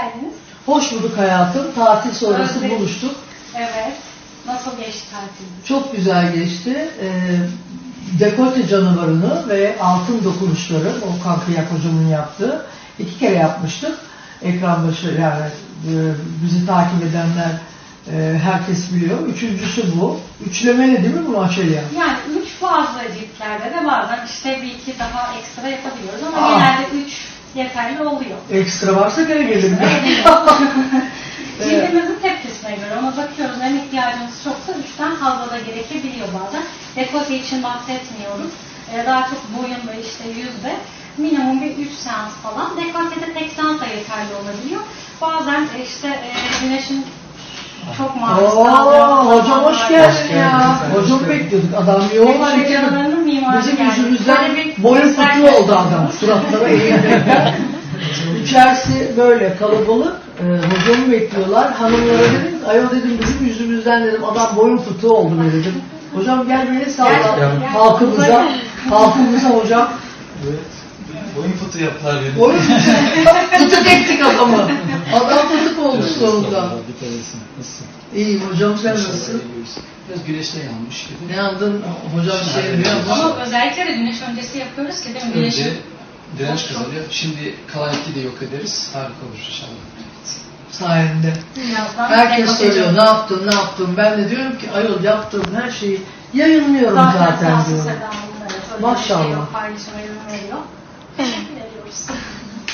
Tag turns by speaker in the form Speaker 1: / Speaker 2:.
Speaker 1: geldiniz.
Speaker 2: Hoş bulduk hayatım. Tatil sonrası buluştuk.
Speaker 1: Evet. Nasıl geçti tatiliniz?
Speaker 2: Çok güzel geçti. Dekolte canavarını ve altın dokunuşları, Volkan Kıyak hocamın yaptığı 2 kere yapmıştık. Ekran başı yani bizi takip edenler herkes biliyor. Üçüncüsü bu. Üçlemeli değil mi bu Açelya?
Speaker 1: Yani 3 bazı ciltlerde de bazen işte bir iki daha ekstra yapabiliyoruz ama genelde 3 yeterli oluyor.
Speaker 2: Ekstra varsa gene gelirim.
Speaker 1: Cildimizin tepkisine göre ona bakıyoruz. Hem ihtiyacımız çoksa 3'ten fazla da gerekebiliyor bazen. Dekolte için bahsetmiyorum. Daha çok boyun ve işte yüzde minimum bir 3 seans falan. Dekoltede tek seans da yeterli olabiliyor. Bazen işte güneşin çok maruz kaldığı.
Speaker 2: Hocam hoş geldin ya. Hocam bekliyorduk. Adam yoğun hareket. Bizim yüzümüzden boyun fıtığı oldu adam. Suratlara eğildiğinden. İçerisi böyle kalabalık. Hocamı bekliyorlar. Hanımlara dedim, ayol dedim bizim yüzümüzden dedim adam boyun fıtığı oldu böyle dedim. Hocam gel beni sağla halkımıza hocam.
Speaker 3: Evet. Boyun fıtığı yaptılar beni.
Speaker 2: Boyun fıtık ettik adamı. Adam fıtık olmuş sonunda.
Speaker 3: Nasılsın?
Speaker 2: İyiyim hocam, sen nasılsın?
Speaker 3: Biraz güneşten yanmış gibi.
Speaker 2: Ne aldın hocam
Speaker 1: Ama özellikle de güneş öncesi yapıyoruz ki değil mi?
Speaker 3: Önce direnç kazanıyor. Şimdi kalan 2 de yok ederiz. Harika olur inşallah.
Speaker 2: sayende. Herkes soruyor ne yaptın. Ben de diyorum ki ayol yaptığım her şeyi yayınlıyorum zaten diyorum. Maşallah.
Speaker 1: Paylaşıma yorum veriyor. Veriyoruz.